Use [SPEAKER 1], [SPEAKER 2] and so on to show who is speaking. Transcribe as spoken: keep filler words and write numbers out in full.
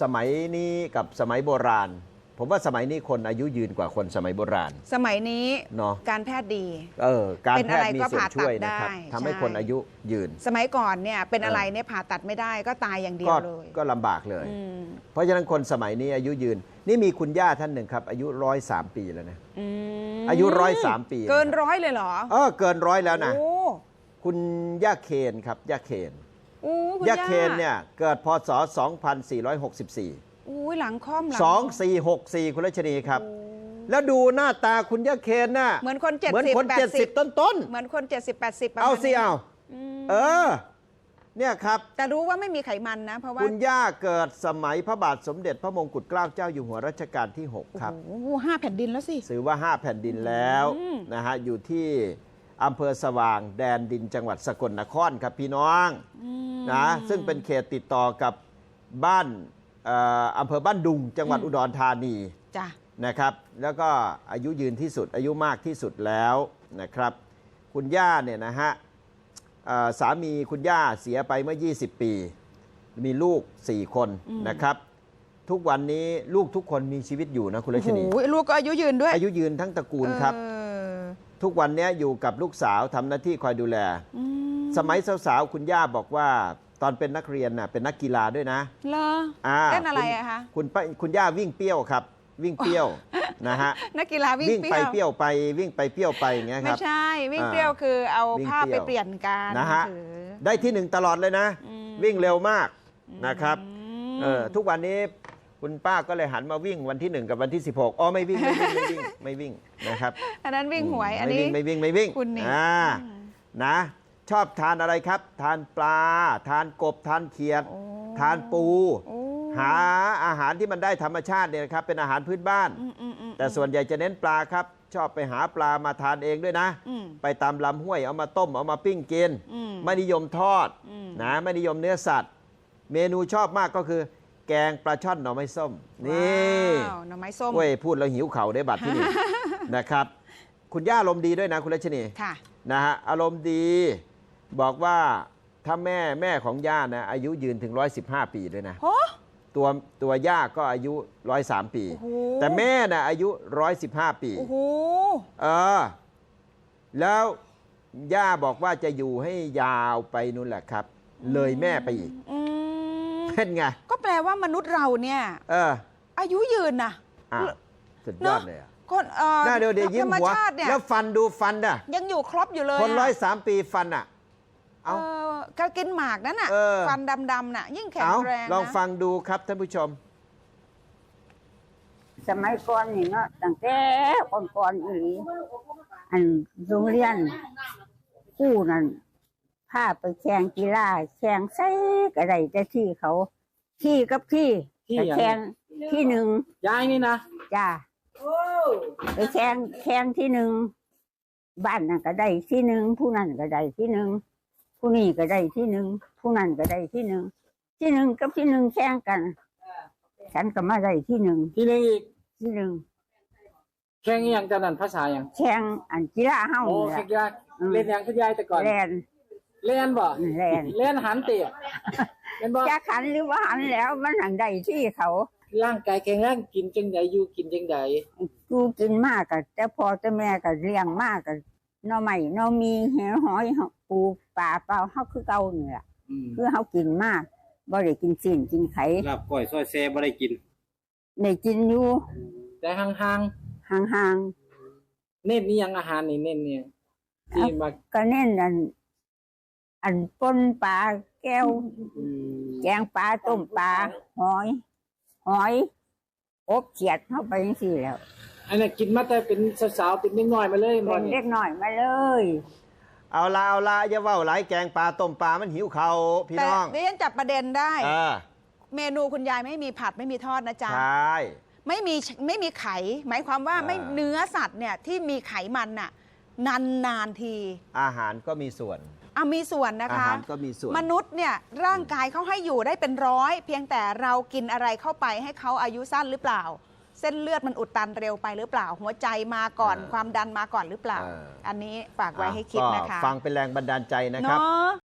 [SPEAKER 1] สมัยนี้กับสมัยโบราณผมว่าสมัยนี้คนอายุยืนกว่าคนสมัยโบราณ
[SPEAKER 2] สมัยนี้
[SPEAKER 1] เนาะ
[SPEAKER 2] การแพทย์ดี
[SPEAKER 1] เออการแพทย์มีส่วนช่วยนะครับทำให้คนอายุยืน
[SPEAKER 2] สมัยก่อนเนี่ยเป็นอะไรเนี่ยผ่าตัดไม่ได้ก็ตายอย่างเดียวเลย
[SPEAKER 1] ก็ลำบากเลยเพราะฉะนั้นคนสมัยนี้อายุยืนนี่มีคุณย่าท่านหนึ่งครับอายุร้อยสามปีแล้วนะอายุร้อยสามปี
[SPEAKER 2] เกินร้อยเลยเหรอ
[SPEAKER 1] เออเกินร้อยแล้วนะคุณย่าเคนครับย่าเคนย่าเคนเนี่ยเกิดพศสองพันสี่ร้อยหกสิบสี่
[SPEAKER 2] อุ้ยหลังค่อมหลัง
[SPEAKER 1] สองสี่หกสี่คุณรัชนีครับแล้วดูหน้าตาคุณย่าเคนน่ะ
[SPEAKER 2] เหมือนคนเจ็ด
[SPEAKER 1] เหมือน
[SPEAKER 2] สิบ
[SPEAKER 1] คนเจ็ดสิบต้นต้น
[SPEAKER 2] เหมือนคนเจ็ดสิบแปดสิบ
[SPEAKER 1] เอาสิเอาเออเนี่ยครับ
[SPEAKER 2] แต่รู้ว่าไม่มีไขมันนะเพราะว่า
[SPEAKER 1] คุณย่าเกิดสมัยพระบาทสมเด็จพระมงกุฎเกล้าเจ้าอยู่หัวรัชกาลที่หกครับ
[SPEAKER 2] โอ้โหห้าแผ่นดินแล้วสิ
[SPEAKER 1] ถือว่าห้าแผ่นดินแล้วนะฮะอยู่ที่อำเภอสว่างแดนดินจังหวัดสกลนครครับพี่น้องนะซึ่งเป็นเขตติดต่อกับบ้านอำเภอบ้านดุงจังหวัดอุดรธานีนะครับแล้วก็อายุยืนที่สุดอายุมากที่สุดแล้วนะครับคุณย่าเนี่ยนะฮะสามีคุณย่าเสียไปเมื่อยี่สิบปีมีลูกสี่คนนะครับทุกวันนี้ลูกทุกคนมีชีวิตอยู่นะคุณรัชนี
[SPEAKER 2] ลูกก็อายุยืนด้วย
[SPEAKER 1] อายุยืนทั้งตระกูลครับทุกวันนี้อยู่กับลูกสาวทำหน้าที่คอยดูแลสมัยสาวๆคุณย่าบอกว่าตอนเป็นนักเรียนน่ะเป็นนักกีฬาด้วยนะ
[SPEAKER 2] เหรอเล่นอะไรอะคะ
[SPEAKER 1] คุณคุณย่าวิ่งเปี้ยวครับวิ่งเปี้ยวนะฮะ
[SPEAKER 2] นักกีฬาวิ่ง
[SPEAKER 1] ไปเปี้ยวไปวิ่งไปเปี้ยวไปอย่างเงี้ยครับ
[SPEAKER 2] ไม่ใช่วิ่งเปี้ยวคือเอาผ้าไปเปลี่ยนกัน
[SPEAKER 1] นะฮะได้ที่หนึ่งตลอดเลยนะวิ่งเร็วมากนะครับเออทุกวันนี้คุณป้าก็เลยหันมาวิ่งวันที่หนึ่งกับวันที่สิบหกอ๋อไม่วิ่งไม่วิ่งไม่วิ่งไม่วิ่งนะครับ
[SPEAKER 2] อันนั้นวิ่งหวยอันนี้
[SPEAKER 1] ไม่วิ่งไม่วิ่ง
[SPEAKER 2] คุณนี่
[SPEAKER 1] นะชอบทานอะไรครับทานปลาทานกบทานเขียดทานปูหาอาหารที่มันได้ธรรมชาติเนี่ยนะครับเป็นอาหารพื้นบ้านแต่ส่วนใหญ่จะเน้นปลาครับชอบไปหาปลามาทานเองด้วยนะไปตามลำห้วยเอามาต้มเอามาปิ้งกินไม่นิยมทอดนะไม่นิยมเนื้อสัตว์เมนูชอบมากก็คือแกงปลาช่อนหน่อไม้ส้มนี่
[SPEAKER 2] หน่อไม้ส้ม
[SPEAKER 1] เว้ยพูดแล้วหิวเข่าได้บัตรที่นี่นะครับคุณย่าอารมณ์ดีด้วยนะคุณรัชนีนะฮะอารมณ์ดีบอกว่าถ้าแม่แม่ของย่านะอายุยืนถึงร้อยสิบห้าปีด้วยนะตัวตัวย่าก็อายุร้อยสามปีแต่แม่นะอายุร้อยสิบห้าปีเออแล้วย่าบอกว่าจะอยู่ให้ยาวไปนู่นแหละครับเลยแม่ไปอีกเป็นไง
[SPEAKER 2] ก็แปลว่ามนุษย์เราเนี่ยเอออายุยืนนะ
[SPEAKER 1] สุดยอดเลยอ่ะ
[SPEAKER 2] คนเออ
[SPEAKER 1] หน้าเดียวเดียวยิ้มหัวแล้วฟันดูฟันอ่ะ
[SPEAKER 2] ยังอยู่ครบอยู่เลย
[SPEAKER 1] คนร้อยสามปีฟันอ่ะ
[SPEAKER 2] เอาก็กินหมากนั่นน่ะฟันดำๆน่ะยิ่งแข็งแรง
[SPEAKER 1] ลองฟังดูครับท่านผู้ชม
[SPEAKER 3] สมัยก่อนนี่เนาะตั้งแต่ก่อนๆอีอันโรงเรียนคู่นั่นพาไปแข่งกีฬาแข่งไส้กระไดแต่ที่เขาที่กับที่แข่งที่หนึ่ง
[SPEAKER 4] ยายนี่นะ
[SPEAKER 3] จ้าไปแข่งแข่งที่หนึ่งบ้านนั่นก็ได้ที่หนึ่งผู้นั้นก็ได้ที่หนึ่งผู้นี้ก็ได้ที่หนึ่งผู้นั้นก็ได้ที่หนึ่งที่หนึ่งกับที่หนึ่งแข่งกันฉันก็มาได้ที่หนึ่ง
[SPEAKER 4] ที่หนึ่งอีก
[SPEAKER 3] ที่หนึ่ง
[SPEAKER 4] แข่งอย่างตอนนั้นภาษาอย่าง
[SPEAKER 3] แข่งอันกีฬาเฮา
[SPEAKER 4] โอ้แข่งกีฬาเล่นอย่างคุณยายแต่ก่อน
[SPEAKER 3] เล่น
[SPEAKER 4] เล่นบ่
[SPEAKER 3] เล่น
[SPEAKER 4] เล่นหันเตะ
[SPEAKER 3] เป็นบ่จะขันหรือว่าหันแล้วมันหันได้ที่เขา
[SPEAKER 4] ร่างกายแข็งแรงกินจังใดอยู่กินจังใด
[SPEAKER 3] กูกินมากกับแต่พอแต่แม่กับเลี้ยงมากกับน้อใหม่น้อมีเหี่ยวหอยปูปลาเปล่าเฮาคือเก่าเนี่ยคือเฮากินมากบ่ได้กินสิ่งกินไข่
[SPEAKER 4] ลาบก้อยซอยแซ่บ่ได้กิน
[SPEAKER 3] ได้กินอยู่
[SPEAKER 4] แต่ห่าง
[SPEAKER 3] ๆห่าง
[SPEAKER 4] ๆเน้นนี่ยังอาหารนี่เน้นเนี่ยที่มา
[SPEAKER 3] ก็เน้นอันอันป่นปลาแก้วแกงปลาต้มปลาหอยหอยอบเขียดเข้าไปยังสี่แล้ว
[SPEAKER 4] อันนี้กินมาแต่เป็นสาวๆเป็นเล็กน้อยมาเลย
[SPEAKER 3] เป็นเล็กน้อยมาเลย
[SPEAKER 1] เอาละเอาละอย่าว่าหลายแกงปลาต้มปลามันหิวเขาพี่น้อง
[SPEAKER 2] แต่ดิฉันจับประเด็นได้เมนูคุณยายไม่มีผัดไม่มีทอดนะจ๊ะ
[SPEAKER 1] ใช่
[SPEAKER 2] ไม่มีไม่มีไข่หมายความว่าไม่เนื้อสัตว์เนี่ยที่มีไขมันน่ะนานๆที
[SPEAKER 1] อาหารก็มีส่วน
[SPEAKER 2] อ่ะมีส่วนนะคะ
[SPEAKER 1] อาหารก็มีส่วน
[SPEAKER 2] มนุษย์เนี่ยร่างกายเขาให้อยู่ได้เป็นร้อยเพียงแต่เรากินอะไรเข้าไปให้เขาอายุสั้นหรือเปล่าเส้นเลือดมันอุดตันเร็วไปหรือเปล่าหัวใจมาก่อนความดันมาก่อนหรือเปล่าอันนี้ฝากไว้ให้คิดนะคะ
[SPEAKER 1] ฟังเป็นแรงบันดาลใจนะครับ